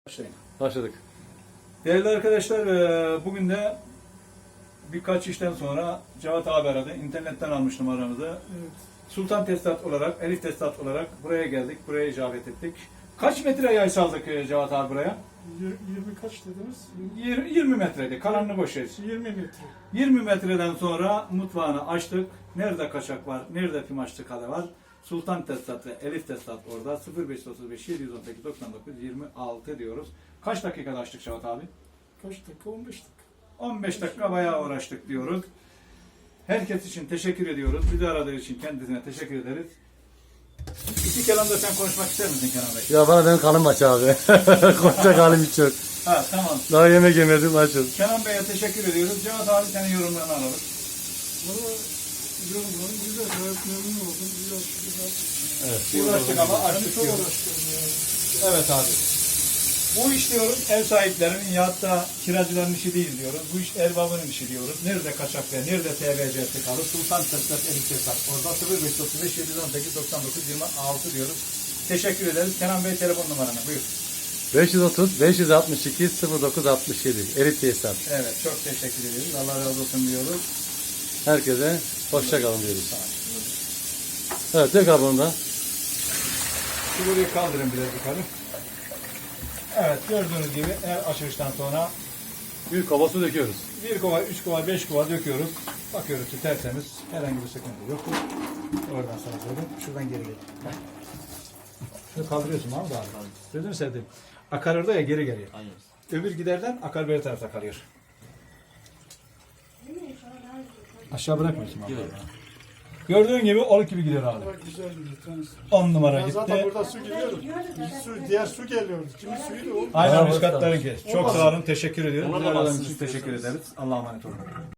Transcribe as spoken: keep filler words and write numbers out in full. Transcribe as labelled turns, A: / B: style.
A: Başlayın.
B: Başladık.
A: Değerli arkadaşlar, e, bugün de birkaç işten sonra Cevat abi aradı. İnternetten almıştım aramızı.
C: Evet.
A: Sultan Tesisat olarak, Elif Tesisat olarak buraya geldik. Buraya icabet ettik. Kaç metre yay saldık e, Cevat abi buraya?
C: Yir- yirmi kaç dediniz?
A: Yir- yirmi metreydi. Kalanını boş ver.
C: yirmi metre.
A: yirmi metreden sonra mutfağını açtık. Nerede kaçak var, nerede pimaçlı kale var? Sultan Tesisat ve Elif Tesisat orada. sıfır beş otuz beş yedi yüz on sekiz doksan dokuz yirmi altı diyoruz. Kaç dakikada açtık Cevat abi?
C: Kaç dakika? on beş dakika.
A: on beş dakika bayağı uğraştık diyoruz. Herkes için teşekkür ediyoruz. Bizi aradığı için kendisine teşekkür ederiz. İki kelamda sen konuşmak ister misin Kenan Bey?
B: Ya bana benim kanım aç abi. Konuşacak halim hiç yok.
A: Ha tamam.
B: Daha yemek yemedim açım.
A: Kenan Bey'e teşekkür ediyoruz. Cevat abi senin yorumlarını alalım.
C: Valla yorumlarım güzel. Gayet memnun oldum. Güzel güzel.
B: Evet.
A: Uğraştık ama
C: Ben
A: açtık
C: çok
A: diyoruz.
C: uğraştım yani.
A: Evet abi. Bu iş diyoruz ev sahiplerinin ya da kiracıların işi değil diyoruz. Bu iş erbabının işi diyoruz. Nerede kaçak ve nerede T V C'si kalır? Sultan Tesisat, Elif Tesisat. Orada sıfır beş otuz beş yedi yüz on sekiz doksan dokuz yirmi altı diyoruz. Teşekkür ederiz. Kenan Bey telefon numaranı buyur.
B: beş yüz otuz beş yüz altmış iki sıfır dokuz altmış yedi. Elif Tesisat.
A: Evet çok teşekkür ediyoruz. Allah razı olsun diyoruz.
B: Herkese hoşça kalın diyoruz. Evet, dök abi onu da.
A: Şu burayı kaldırın biraz yukarı. Evet gördüğünüz gibi her açılıştan sonra
B: Büyük kaba su döküyoruz.
A: bir kova, üç kova, beş kova döküyoruz. Bakıyoruz ki tertemiz. Herhangi bir sıkıntı yok. Oradan sana söyleyeyim. Şuradan geri gel. Heh. Şunu kaldırıyorsun abi abi. Gözünü sevdim. Akar orada ya geri geliyor.
D: Aynen.
A: Öbür giderden akar beri tarafta kalıyor. Aşağı bırakmıyorsun abi. Gördüğün gibi olup gibi gidiyor abi.
C: Bak güzel gidiyor. Tanesi.
A: on numara
C: Ya zaten
A: gitti.
C: burada su geliyordu. Su, diğer su geliyordu. Kimin suyuydu o?
A: Aynen
B: Bravo,
A: üst katlarınki. Çok
C: Olmaz.
A: sağ olun. Teşekkür ediyoruz.
D: Ona da
A: Bizi aradığınız
D: baksın
A: için teşekkür ederiz. Allah'a emanet olun.